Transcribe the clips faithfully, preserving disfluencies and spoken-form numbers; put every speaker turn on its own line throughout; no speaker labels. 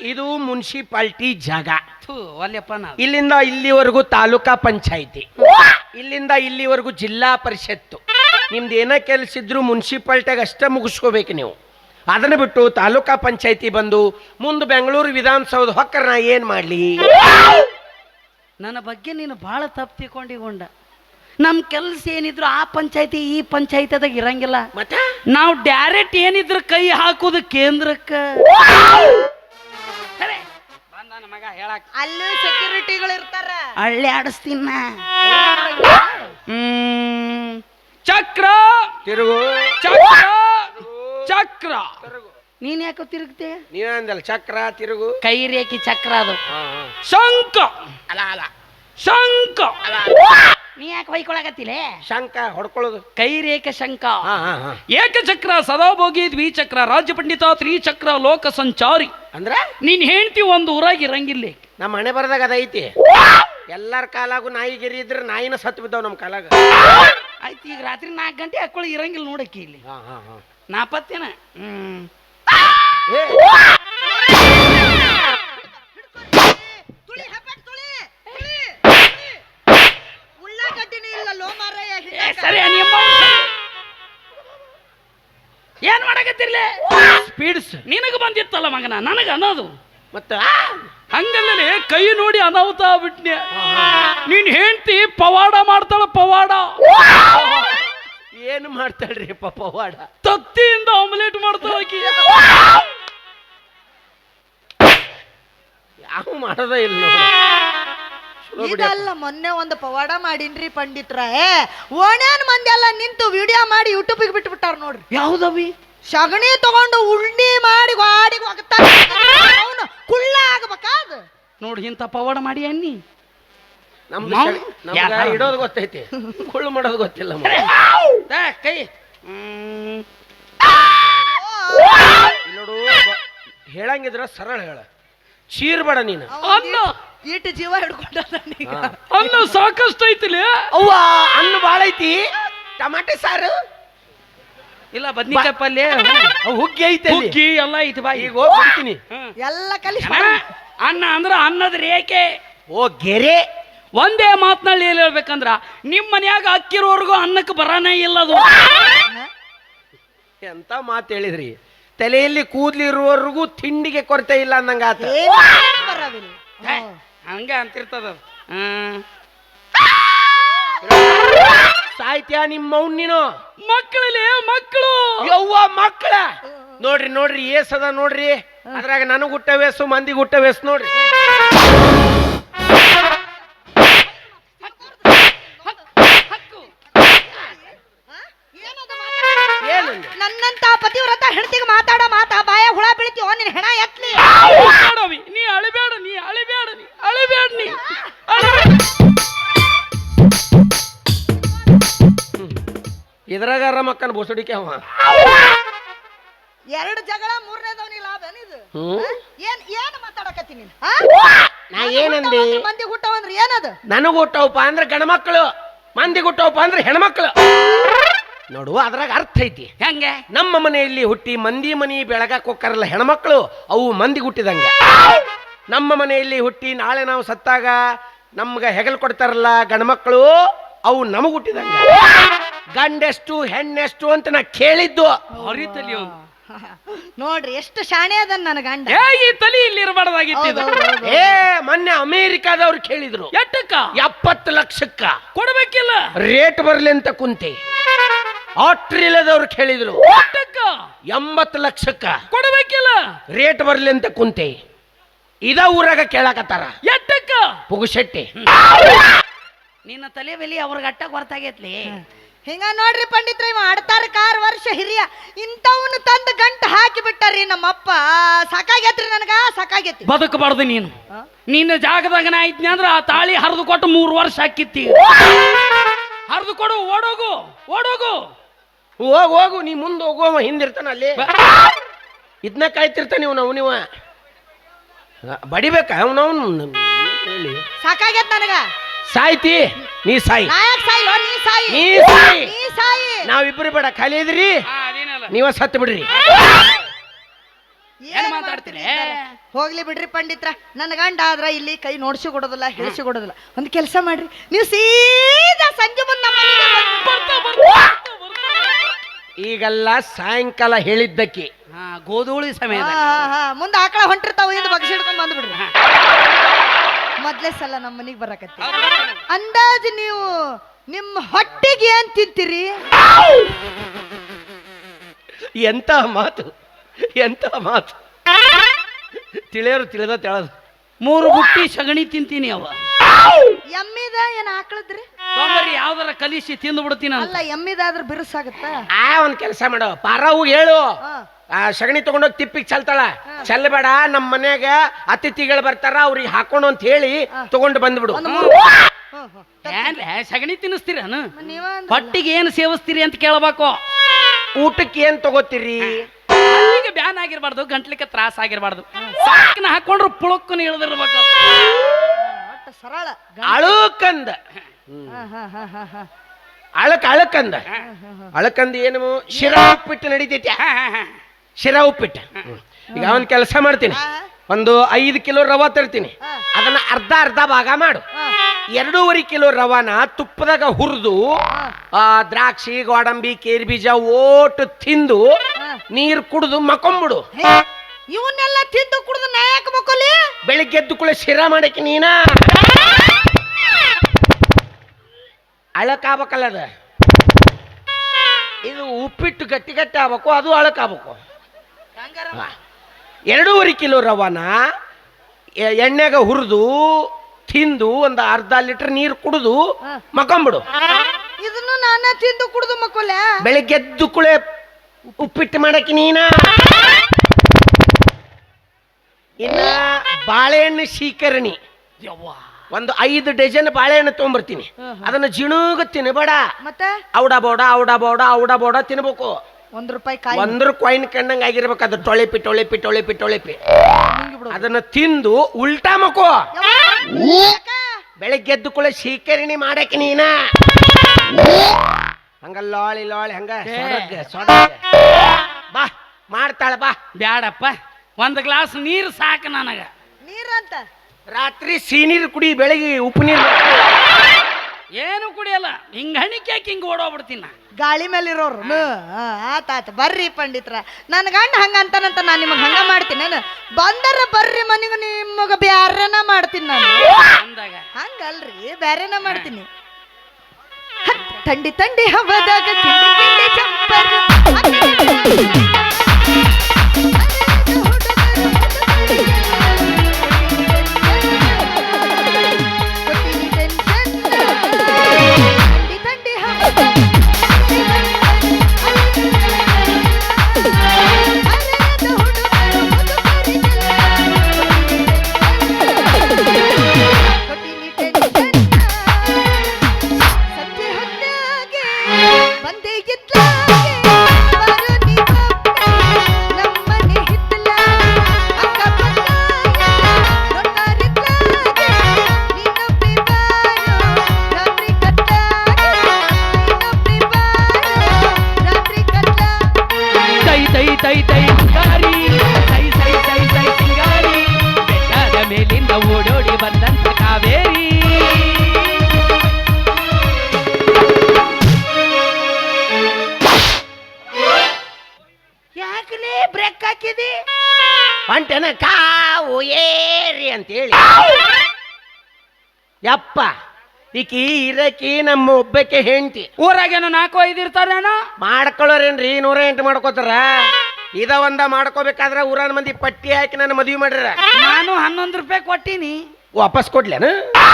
ಇದು ಮುನ್ಸಿಪಾಲ್ಟಿ ಜಾಗ.
ಒಲ್ಲೆಪ್ಪ ನಾ
ಇಲ್ಲಿಂದ ಇಲ್ಲಿವರೆಗೂ ತಾಲೂಕಾ ಪಂಚಾಯಿತಿ, ಇಲ್ಲಿಂದ ಇಲ್ಲಿವರೆಗೂ ಜಿಲ್ಲಾ ಪರಿಷತ್ತು. ನಿಮ್ದು ಏನ ಕೆಲಸ ಇದ್ರು ಮುನ್ಸಿಪಾಲ್ಟಿಯಾಗ ಅಷ್ಟೇ ಮುಗಿಸ್ಕೋಬೇಕು ನೀವು. ಅದನ್ನ ಬಿಟ್ಟು ತಾಲೂಕಾ ಪಂಚಾಯಿತಿ ಬಂದು ಮುಂದೆ ಬೆಂಗಳೂರು ವಿಧಾನಸೌಧ ಹೊಕ್ಕರ ನಾ ಏನ್ ಮಾಡ್ಲಿ?
ನನ್ನ ಬಗ್ಗೆ ನೀನು ಬಹಳ ತಪ್ಪು ತಿಳ್ಕೊಂಡಿಗೊಂಡ. ನಮ್ ಕೆಲ್ಸ ಏನಿದ್ರು ಆ ಪಂಚಾಯತಿ ಈ ಪಂಚಾಯತಿದಾಗ ಇರಂಗಿಲ್ಲ.
ಮತ್ತೆ
ನಾವು ಡೈರೆಕ್ಟ್ ಏನಿದ್ರು ಕೈ ಹಾಕುದು ಕೇಂದ್ರಕ್ಕ. ಮಗ ಹೇಳಕ್
ಅಲ್ಲಿ ಸೆಕ್ಯೂರಿಟಿಗಳು ಇರ್ತಾರ,
ಹಳ್ಳಿ ಆಡಿಸ್ತೀನ. ಹ್ಮ್ ಚಕ್ರ
ತಿರುಗು
ಚಕ್ರ ಚಕ್ರ ನೀನ್ ಯಾಕೆ ತಿರುಗ್ತೆ?
ನೀವಂದಲ್ಲ ಚಕ್ರ ತಿರುಗು.
ಕೈ ರೇಖಿ ಚಕ್ರ ಅದು.
ಹಾ, ಹಾ.
ಶಂಕ
ಅಲ್ಲ ಅಲ್ಲ
ಶಂಕ ನೀ ಯಾಕೆ ಬೈಕೊಳಕತ್ತಿಲ್ಲ?
ಶಂಕ ಹೊಡ್ಕೊಳ್ಳೋದು.
ಕೈ ರೇಖೆ ಶಂಕ.
ಹಾ, ಹಾ, ಹಾ.
ಏಕಚಕ್ರ ಸದಾಭೋಗಿ ದ್ವಿಚಕ್ರ ರಾಜ್ಯ ಪಂಡಿತ ತ್ರಿಚಕ್ರ ಲೋಕ ಸಂಚಾರಿ.
ಅಂದ್ರ
ನೀನ್ ಹೆಂಡ್ತಿ ಒಂದು ಊರಾಗ ಇರಂಗಿಲ್ಲ.
ನಮ್ಮ ಮನೆ ಬರದಾಗ ಅದೈತಿ. ಎಲ್ಲಾರ ಕಾಲಾಗು ನಾಯಿಗಿರಿ ಇದ್ರೆ ನಾಯಿನ ಸತ್ತು ಬಿದ್ದಾವ್ ನಮ್ ಕಾಲಾಗ.
ಆಯ್ತು, ಈಗ ರಾತ್ರಿ ನಾಲ್ಕು ಗಂಟೆ ಹಾಕೊಳ್ಳಿ ಇರಂಗಿಲ್ಲ ನೋಡಕ್ಕೆ ಇಲ್ಲಿ.
ಹಾ, ಹಾ, ಹಾ.
ನಾಪತ್ತೇನ ಹ್ಮ್
ಏ,
ತುಳಿ ಹೆಬ್ಬೆಟ್ ತುಳಿ, ತುಳಿ. ಉಳ್ಳಾಗಡ್ಡಿನೂ ಇಲ್ಲ ಲೋ ಮಾರಾಯ.
ಏ, ಸರಿ ನಿಮ್ಮ ಏನ್ ಮಾಡಕತ್ತಿರ್ಲೆ?
ಸ್ಪೀಡ್ಸ್
ನಿನಗ ಬಂದಿತ್ತಲ್ಲ ಮಗನ, ನನಗ ಅನ್ನೋದು
ಮತ್ತ
ಹಂಗಲ್ಲೇ ಕೈ ನೋಡಿ ಅನಾಹುತ ಬಿಟ್ನೆ. ನೀನ್ ಹೆಂಡ್ತಿ ಪವಾಡ ಮಾಡ್ತಾಳ. ಪವಾಡ
ಏನು ಮಾಡ್ತಾಳ್ರಿ ಪವಾಡ?
ತತ್ತಿಯಿಂದ ಆಮ್ಲೆಟ್ ಮಾಡ್ತಾಳ ಆಕಿ.
ಯಾವ ಮಾಡೋದ ಇಲ್ಲ ನೋಡಿ.
ಇದಲ್ಲ ಮೊನ್ನೆ ಒಂದು ಪವಾಡ ಮಾಡಿನ್ರಿ ಪಂಡಿತ್ರ. ಏ ಓಣ್ಯಾನ್ ಮಂದಿ ಎಲ್ಲ ನಿಂತು ವಿಡಿಯೋ ಮಾಡಿ ಯೂಟ್ಯೂಬಿಗೆ ಬಿಟ್ಟು ಬಿಟ್ಟಾರ ನೋಡ್ರಿ.
ಯಾವ್ದವಿ?
ಸಗಣಿ ತಗೊಂಡು ಉಂಡಿ ಮಾಡಿ ಗಾಡಿ ಹೋಗ್ತಾನ. ಅವನು ಕುಳ್ಳ ಆಗ್ಬೇಕಾದ
ನೋಡಿ ಇಂಥ ಪವಾಡ ಮಾಡಿ ಅನ್ನಿ.
ನಮ್ದು
ನಾವು-
ಶಗ- ನಮ್ಗ
ಯಾರು?
ಇಡೋದು ಗೊತ್ತೈತಿ, ಕುಳ್ಳು ಮಾಡೋದು ಗೊತ್ತಿಲ್ಲ. ಮಗ.
ಏ, ಕೈ ಹ್ಮ್
ಇಲ್ಲಿ ನೋಡು, ಬ- ಹೇಳಂಗಿದ್ರ ಸರಳ ಹೇಳ, ಚೀರ್ಬೇಡ ನೀನು.
ಅನ್ನ
ಈಟ್ ಜೀವ ಹಿಡ್ಕೊಂಡ ಈಗ.
ಹಾ.
ಅನ್ನ ಸಾಕಷ್ಟು ಐತಿಲಿ.
ಅವ್ವ ಅನ್ನ ಬಾಳ ಐತಿ. ಟಮಾಟೆ ಸಾರು
ಇಲ್ಲ ಬದ್ನಿಕಾಯಿ ಪಲ್ಯ
ಅವ್ ಹುಗ್ಗಿ ಐತೆ ಅಲ್ಲಿ.
ಹುಗ್ಗಿ ಎಲ್ಲ ಐತಿ ಬಾ.
ಈಗ ಹೋಗಿ ಬಿಡ್ತೀನಿ.
ಹ್ಮ್.
ಎಲ್ಲ ಕಲಿಸಿ
ಅಣ್ಣ, ಅನ್ನ ಅಂದ್ರ ಅನ್ನದ ರೇಖೆ.
ಓ ಗೆರೆ.
ಒಂದೇ ಮಾತ್ನಲ್ಲಿ ಏನ್ ಹೇಳ್ಬೇಕಂದ್ರ ನಿಮ್ ಮನ್ಯಾಗ ಅಕ್ಕಿರೋರ್ಗು ಅನ್ನಕ್ಕೆ ಬರಾನೇ ಇಲ್ಲ ಅದು.
ಎಂತ ಮಾತು ಹೇಳಿದ್ರಿ. ತಲೆಯಲ್ಲಿ ಕೂದ್ಲಿರುವವರೆಗೂ ತಿಂಡಿಗೆ ಕೊರತೆ ಇಲ್ಲ ಅನ್ನಂಗ ಆತ.
ಬರವಿಲ್ಲ.
ಏ, ಹಂಗ ಅಂತಿರ್ತದ. ಹ್ಮ್
ಸಾಹಿತ್ಯ ನಿಮ್ಮ ಮೌನ್ ನೀನು.
ಮಕ್ಕಳಲ್ಲಿ ಮಕ್ಕಳು
ಯವ್ವ ಮಕ್ಕಳ ನೋಡ್ರಿ ನೋಡ್ರಿ ಏಸದ ನೋಡ್ರಿ. ಅದ್ರಾಗ ನನಗ್ ಹುಟ್ಟ ವೇಸು ಮಂದಿಗೆ ಹುಟ್ಟ ವೇಸು ನೋಡ್ರಿ. ಏನು
ನನ್ನಂತ ಪತಿವ್ರತ ಹೆಂಡತಿಗೆ ಮಾತಾಡ ಮಾತಾ ಬಾಯ ಹುಳ ಬೀಳ್ತೀವೋ ನಿನ್ ಹೆಣ ಎತ್ಲಿ.
ಅಳಬೇಡವಿ, ನೀ ಅಳಿಬೇಡ, ನೀ ಅಳಿಬೇಡ, ನೀ ಅಳಿಬೇಡ, ನೀ ಅಳಿಬೇಡ.
ಇದ್ರಾಗಾರ ಮಕ್ಕನ ಬೋಸಡಿಕೆ ಅವ.
ಎರಡು ಜಗಳ ಮೂರನೇದವನಿ ಲಾಭ ಏನಿದು?
ಹ್ಮ್.
ಏನ್ ಏನ್ ಮಾತಾಡಕತ್ತಿ ನೀನ್?
ನಾ ಏನಂದಿ?
ಮಂದಿ ಹುಟ್ಟವಂದ್ರೆ ಏನದು?
ನನಗ್ ಹುಟ್ಟವಪ್ಪ ಅಂದ್ರೆ ಗಣಮಕ್ಕಳು, ಮಂದಿ ಹುಟ್ಟವಪ್ಪ ಅಂದ್ರೆ ಹೆಣ್ಮಕ್ಳು. ನೋಡು ಅದ್ರಾಗ ಅರ್ಥ ಐತಿ.
ಹೆಂಗೆ?
ನಮ್ಮ ಮನೆಯಲ್ಲಿ ಹುಟ್ಟಿ ಮಂದಿ ಮನಿ ಬೆಳಗಾಕ್ ಹೋಗ್ತಾರಲ್ಲ ಹೆಣ್ಮಕ್ಳು, ಅವು ಮಂದಿ ಹುಟ್ಟಿದಂಗ. ನಮ್ಮ ಮನೆಯಲ್ಲಿ ಹುಟ್ಟಿ ನಾಳೆ ನಾವು ಸತ್ತಾಗ ನಮ್ಗ ಹೆಗಲ್ ಕೊಡ್ತಾರಲ್ಲ ಗಂಡ್ಮಕ್ಳು, ಅವು ನಮಗ್ ಹುಟ್ಟಿದಂಗ. ಗಂಡೆಷ್ಟು ಹೆಣ್ಣೆಷ್ಟು ಅಂತ ನಾ ಕೇಳಿದ್ದು.
ಹರಿತಲಿ ಅವನು.
ನೋಡ್ರಿ ಎಷ್ಟು ಶಾಣೆ ಅದನ್ ನನ್ನ ಗಂಡ.
ಏ ಈ ತಲಿ ಇಲ್ಲಿ ಇರಬಾರ್ದಾಗಿತ್ತು.
ಏ ಮೊನ್ನೆ ಅಮೇರಿಕಾದವ್ರು ಕೇಳಿದ್ರು
ಎಟ್ಟಕ್ಕ?
ಎಪ್ಪತ್ತು ಲಕ್ಷಕ್ಕ
ಕೊಡ್ಬೇಕಿಲ್ಲ.
ರೇಟ್ ಬರ್ಲಿ ಅಂತ ಕುಂತೆ. ಆಸ್ಟ್ರೇಲಿಯಾದವ್ರು ಕೇಳಿದ್ರು
ಎಟ್ಟಕ್ಕ?
ಎಂಬತ್ತು ಲಕ್ಷಕ್ಕ
ಕೊಡ್ಬೇಕಿಲ್ಲ.
ರೇಟ್ ಬರ್ಲಿ ಅಂತ ಕುಂತೆ. ಇದ ಊರಾಗ ಕೇಳಾಕತ್ತಾರ
ಎಟ್ಟಕ್ಕ?
ಪುಗುಶೆಟ್ಟಿ.
ನಿನ್ನ ತಲೆ ಬೆಲಿ ಅವ್ರಿಗೆ ಅಟ್ಟ ಹೊರತಾಗೈತ್ಲಿ.
ಹಿಂಗ ನೋಡ್ರಿ ಪಂಡಿತ್ರ, ಇವ ಆಡ್ತಾರ ಕಾರ್ ವರ್ಷ ಹಿರಿಯ ಇಂಥವ್ನು ತಂದು ಗಂಟ ಹಾಕಿ ಬಿಟ್ಟಾರಿ ನಮ್ಮಪ್ಪ. ಸಾಕಾಗೈತ್ರಿ ನನಗ, ಸಾಕಾಗೈತಿ.
ಬದುಕಬಾರ್ದು ನೀನು. ನಿನ್ನ ಜಾಗದಾಗ ನಾ ಇದ್ನಿ ಅಂದ್ರ ಆ ತಾಳಿ ಹರಿದು ಕೊಟ್ಟು ಮೂರು ವರ್ಷ ಹಾಕಿತ್ತಿ. ಹರಿದು ಕೊಡು, ಓಡೋಗು ಓಡೋಗು.
ಹೋಗ್ ಹೋಗು, ನೀ ಮುಂದೆ ಹೋಗುವ ಹಿಂದಿರ್ತಾನ ಅಲ್ಲಿ. ಇದನ್ನ ಕಾಯ್ತಿರ್ತಾನ ನೀವು. ನಾವು ನೀವ ಬಡಿಬೇಕ ಅವನವನು ಹೇಳಿ.
ಸಾಕಾಗೈತ್ ನನಗ.
ಸಾಯ್ತಿ ನೀ ಸಾಯಿ,
ನಾಯಕ್ ಸಾಯಿಲೋ ನೀ ಸಾಯಿ,
ನೀ ಸಾಯಿ.
ನೀ ಸಾಯಿ.
ನಾವಿಬ್ರು ಬೇಡ, ಖಾಲಿ ಇದ್ರಿ ನೀವ ಸತ್ತು ಬಿಡ್ರಿ.
ಏನ್ ಮಾತಾಡ್ತೀರಿ
ಹೋಗ್ಲಿ ಬಿಡ್ರಿ ಪಂಡಿತ್ರ, ನನ್ನ ಗಂಡ ಆದ್ರ ಇಲ್ಲಿ ಕೈ ನೋಡ್ಸಿ ಕೊಡೋದಿಲ್ಲ, ಹೇಳಿಸಿ ಕೊಡೋದಿಲ್ಲ. ಒಂದು ಕೆಲಸ ಮಾಡ್ರಿ, ನೀವು ಸೀದಾ ಸಂಜೆ ಮುಂದೆ ನಮ್ಮ ಮನೆಗೆ
ಈಗೆಲ್ಲ ಸಾಯಂಕಾಲ ಹೇಳಿದ್ದಕ್ಕೆ
ಹಾ ಗೋಧೂಳಿ ಸಮಯ
ಮುಂದೆ ಆಕಳ ಹೊಂಟಿರ್ತಾವ, ಹಿಂದೆ ಬಗ್ಸಿ ಹಿಡ್ಕೊಂಡ್ ಬಂದ್ಬಿಡ್ರಿ. ಮೊದ್ಲೇ ಸಲ ನಮ್ಮ ಮನೆಗೆ ಬರಕತ್ತಿ. ಅಂದಾಜು ನೀವು ನಿಮ್ಮ ಹೊಟ್ಟಿಗೆ ಏನ್ ತಿಂತೀರಿ?
ಎಂತ ಮಾತು, ಎಂತ ಮಾತು. ತಿಳಿಯೋರು ತಿಳಿದ ತೆಳದು
ಮೂರು ಬುಟ್ಟಿ ಸಗಣಿ ತಿಂತೀನಿ ಅವ.
ಎಮ್ಮಿದ ಏನ್ ಆಕಳದ್ರಿ?
ತೊಂಬರಿ ಯಾವ್ದಾರ ಕಲಿಸಿ ತಿಂದು ಬಿಡ್ತೀನಿ
ಅಲ್ಲ, ಎಮ್ಮಿದಾದ್ರ ಬಿರುಸಾಗತ್ತ.
ಆ ಒಂದ್ ಕೆಲಸ ಮಾಡೋ, ಪಾರವು ಹೇಳು, ಆ ಸಗಣಿ ತಗೊಂಡೋಗಿ ತಿಪ್ಪಿಗೆ ಚಲ್ತಾಳ. ಚೆಲ್ಲಬೇಡ, ನಮ್ಮ ಮನ್ಯಾಗ ಅತಿಥಿಗಳು ಬರ್ತಾರ, ಅವ್ರಿಗೆ ಹಾಕೊಂಡು ಅಂತ ಹೇಳಿ ತಗೊಂಡು ಬಂದ್ಬಿಡು.
ಏನ್ ಸಗಣಿ ತಿನ್ನಿಸ್ತೀರ ಹೊಟ್ಟಿಗೆ ಏನ್ ಸೇವಿಸ್ತೀರಿ ಅಂತ ಕೇಳ್ಬೇಕು.
ಊಟಕ್ಕೆ ಏನ್ ತಗೋತೀರಿ?
ಅಲ್ಲಿಗೆ ಬ್ಯಾನ್ ಆಗಿರ್ಬಾರ್ದು, ಗಂಟ್ಲಿಕ್ಕೆ ತ್ರಾಸ ಆಗಿರ್ಬಾರ್ದು. ಸಾಕಿನ ಹಾಕೊಂಡ್ರು ಪುಳಕ್ಕನ ಇಳ್ದಿರ್ಬೇಕು.
ಸರಳ
ಅಳುಕಂದ ಅಳಕ್ ಅಳಕಂದ ಅಳಕಂದ ಏನು? ಶಿರಾ ಉಪ್ಪಿಟ್ಟು ನಡೀತೈತಿ. ಶಿರಾ ಉಪ್ಪಿಟ್ಟು. ಈಗ ಒಂದ್ ಕೆಲಸ ಮಾಡ್ತೀನಿ, ಒಂದು ಐದು ಕಿಲೋ ರವಾ ತರ್ತೀನಿ, ಅದನ್ನ ಅರ್ಧ ಅರ್ಧ ಭಾಗ ಮಾಡು. ಎರಡೂವರೆ ಕಿಲೋ ರವಾನ ತುಪ್ಪದಾಗ ಹುರಿದು ಆ ದ್ರಾಕ್ಷಿ, ಗೋಡಂಬಿ, ಕೇರಿ ಬೀಜ ಓಟು ತಿಂದು ನೀರು ಕುಡಿದು ಮಕೊಂಬಿಡು.
ಇವನ್ನೆಲ್ಲ ತಿಂದು ಕುಡಿದು ನಾಯಕ ಮಕ್ಕಳಿ
ಬೆಳಿಗ್ಗೆ ಎದ್ದು ಕೂಡ ಶಿರಾ ಮಾಡಕ್ಕೆ ನೀನ ಅಳಕಾಗಬೇಕಲ್ಲ ಅದ. ಇದು ಉಪ್ಪಿಟ್ಟು ಗಟ್ಟಿ ಗಟ್ಟಿ ಆಗ್ಬೇಕು, ಅದು ಅಳಕಾಗಬೇಕು. ಎರಡೂವರೆ ಕಿಲೋ ರವಾನ ಎಣ್ಣೆಗ ಹುರಿದು ತಿಂದು ಒಂದು ಅರ್ಧ ಲೀಟರ್ ನೀರು ಕುಡಿದು ಮಕೊಂಬಿಡು.
ಇದನ್ನು ನಾನ ತಿಂದು ಕುಡಿದು ಮಕ್ಕಳ
ಬೆಳಿಗ್ಗೆ ಎದ್ದು ಕುಳೆ ಉಪ್ಪಿಟ್ಟು ಮಾಡಕ್ಕೆ ನೀನ. ಇನ್ನ ಬಾಳೆಹಣ್ಣು ಶೀಕರಣಿ ಒಂದು ಐದು ಡಜನ್ ಬಾಳೆಹಣ್ಣು ತಗೊಂಡ್ಬರ್ತೀನಿ. ಅದನ್ನ ಜಿಣುಗ ತಿನ್ಬೇಡ,
ಮತ್ತೆ
ಔಡ ಬೋಡ ಔಡ ಬೋಡ ಔಡ ಬೋಡ ತಿನ್ಬೇಕು.
ಒಂದ್ ರೂಪಾಯಿ ಕಾಯಿ
ಒಂದ್ರ ಕಾಯಿನ್ ಕಂಡಂಗ ಆಗಿರ್ಬೇಕು. ಅದು ಟೊಳೆಪಿ ಟೊಳೆಪಿ ಟೊಳೆಪಿ ಟೊಳೆಪಿ ಅದನ್ನ ತಿಂದು ಉಲ್ಟಾ ಮಕೋ. ಬೆಳಿಗ್ಗೆ ಎದ್ದು ಕೂಡ ಶೀಕರಣಿ ಮಾಡಕ್ಕೆ ನೀನ ಹಂಗ ಲಾಳಿ ಲಾಳಿ ಹಂಗ ಸೊಡಗ್ಗೆ ಸೊಡಗ್ಗೆ ಬಾ ಮಾಡ್ತಾಳ ಬಾ.
ಬ್ಯಾಡಪ್ಪ, ಒಂದ್ ಗ್ಲಾಸ್ ನೀರು ಸಾಕು ನನಗ.
ನೀರಂತ
ರಾತ್ರಿ ಸಿಹಿನೀರು ಕುಡಿ, ಬೆಳಿಗ್ಗೆ ಉಪ್ಪು ನೀರು.
ಏನು ಕುಡಿಯಲ್ಲ, ಹಿಂಗ ಹಣಿಕೆ ಹಾಕಿ ಹಿಂಗ ಓಡೋಗ್ಬಿಡ್ತೀನಿ ನಾ.
ಗಾಳಿ ಮೇಲೆ ಇರೋರು ಆತ ಆತ ಬರ್ರಿ ಪಂಡಿತ್ರ. ನನ್ನ ಗಂಡ ಹಂಗ ಅಂತಾನಂತ ನಾನು ನಿಮಗೆ ಹಂಗ ಮಾಡ್ತೀನಿ. ನಾನು ಬಂದರ ಬರ್ರಿ ಮನೆಗೆ ನಿಮಗ ಬ್ಯಾರೆನ ಮಾಡ್ತೀನಿ ನಾನು.
ಅಂದಾಗ
ಹಂಗಲ್ರಿ, ಬ್ಯಾರೆನ ಮಾಡ್ತೀನಿ. ತಂಡಿ ತಂಡಿ ಹವದಾಗ ಕಿಂಡಿ ಕಿಂಡಿ ಚಂಪರ್
ಓಡೋಡಿ ಬಂದಂತ ಕಾವೇರಿ.
ಯಾಕಲೇ ಬ್ರೇಕ್ ಹಾಕಿದಿ?
ಹೊಂಟೆನ ಕಾವು ಏರಿ ಅಂತೇಳಿ. ಯಪ್ಪ, ಈಕಿ ಇರಕಿ ನಮ್ಮ ಒಬ್ಬಕ್ಕೆ ಹೆಂಡತಿ.
ಊರಾಗೇನು ನಾಲ್ಕು ಐದು ಇರ್ತಾರೇನೋ
ಮಾಡ್ಕೊಳ್ಳೋರೇನ್ರಿ? ನೂರ ಎಂಟು ಮಾಡ್ಕೋತಾರ. ಇದ ಒಂದ ಮಾಡ್ಕೋಬೇಕಾದ್ರ ಊರನ ಮಂದಿ ಪಟ್ಟಿ ಹಾಕಿ ನನ್ನ ಮದ್ವಿ ಮಾಡ್ರ.
ನಾನು ಹನ್ನೊಂದು ರೂಪಾಯಿ ಕೊಟ್ಟಿನಿ,
ವಾಪಸ್ ಕೊಡ್ಲೇನು?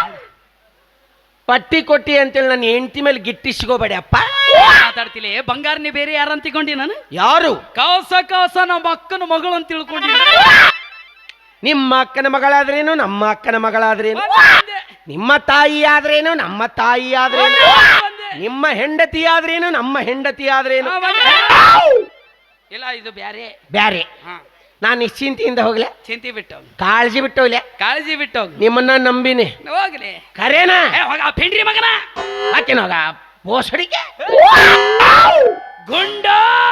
ಪಟ್ಟಿ ಕೊಟ್ಟಿ ಅಂತೇಳಿ ನನ್ನ ಹೆಂಡತಿ ಮೇಲೆ ಗಿಟ್ಟಿಸ್ಕೋಬೇಡಿ ಅಪ್ಪ.
ಮಾತಾಡ್ತಿಲ್ಲ, ಬಂಗಾರನೇ ಬೇರೆ ಯಾರಂತ ತಿಳ್ಕೊಂಡಿ ನಾನು?
ಯಾರು?
ಕಾಸ ಕಾಸ ನಮ್ಮ ಅಕ್ಕನ ಮಗಳು ಅಂತ ತಿಳ್ಕೊಂಡಿ.
ನಿಮ್ಮ ಅಕ್ಕನ ಮಗಳಾದ್ರೇನು, ನಮ್ಮ ಅಕ್ಕನ ಮಗಳಾದ್ರೇನು, ನಿಮ್ಮ ತಾಯಿ ಆದ್ರೇನು, ನಮ್ಮ ತಾಯಿ ಆದ್ರೇನು, ನಿಮ್ಮ ಹೆಂಡತಿ ಆದ್ರೇನು, ನಮ್ಮ ಹೆಂಡತಿ ಆದ್ರೇನು.
ಇಲ್ಲ, ಇದು ಬ್ಯಾರೆ
ಬ್ಯಾರೆ. ನಾನು ನಿಶ್ಚಿಂತೆಯಿಂದ ಹೋಗ್ಲೆ,
ಚಿಂತೆ ಬಿಟ್ಟು
ಕಾಳಜಿ ಬಿಟ್ಟು ಹೋಗ್ಲೆ,
ಕಾಳಜಿ ಬಿಟ್ಟು
ನಿಮ್ಮನ್ನ ನಂಬಿನಿ.
ಹೋಗ್ಲಿ
ಕರೇನಾ?
ಪಿಂಡ್ರಿ ಮಗನ
ಹಾಕೇನೋಗ ಬೋಸಡಿಕೆ
ಗುಂಡ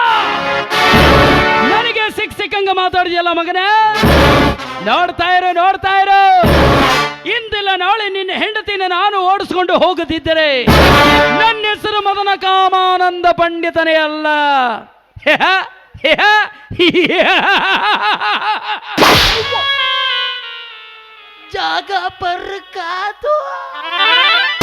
ನನಗೆ ಸಿಕ್ ಸಿಕ್ಕಂಗ ಮಾತಾಡಿದ್ಯಲ್ಲ ಮಗನೇ. ನೋಡ್ತಾ ಇರೋ ನೋಡ್ತಾ ಇರೋ ಇಂದಿಲ್ಲ ನಾಳೆ ನಿನ್ನ ಹೆಂಡತಿನ ನಾನು ಓಡಿಸ್ಕೊಂಡು ಹೋಗುತ್ತಿದ್ದರೆ ನನ್ನ ಹೆಸರು ಮದನ ಕಾಮಾನಂದ ಪಂಡಿತನೇ ಅಲ್ಲ. ಜಾಗ ಪರ್ಕಾತು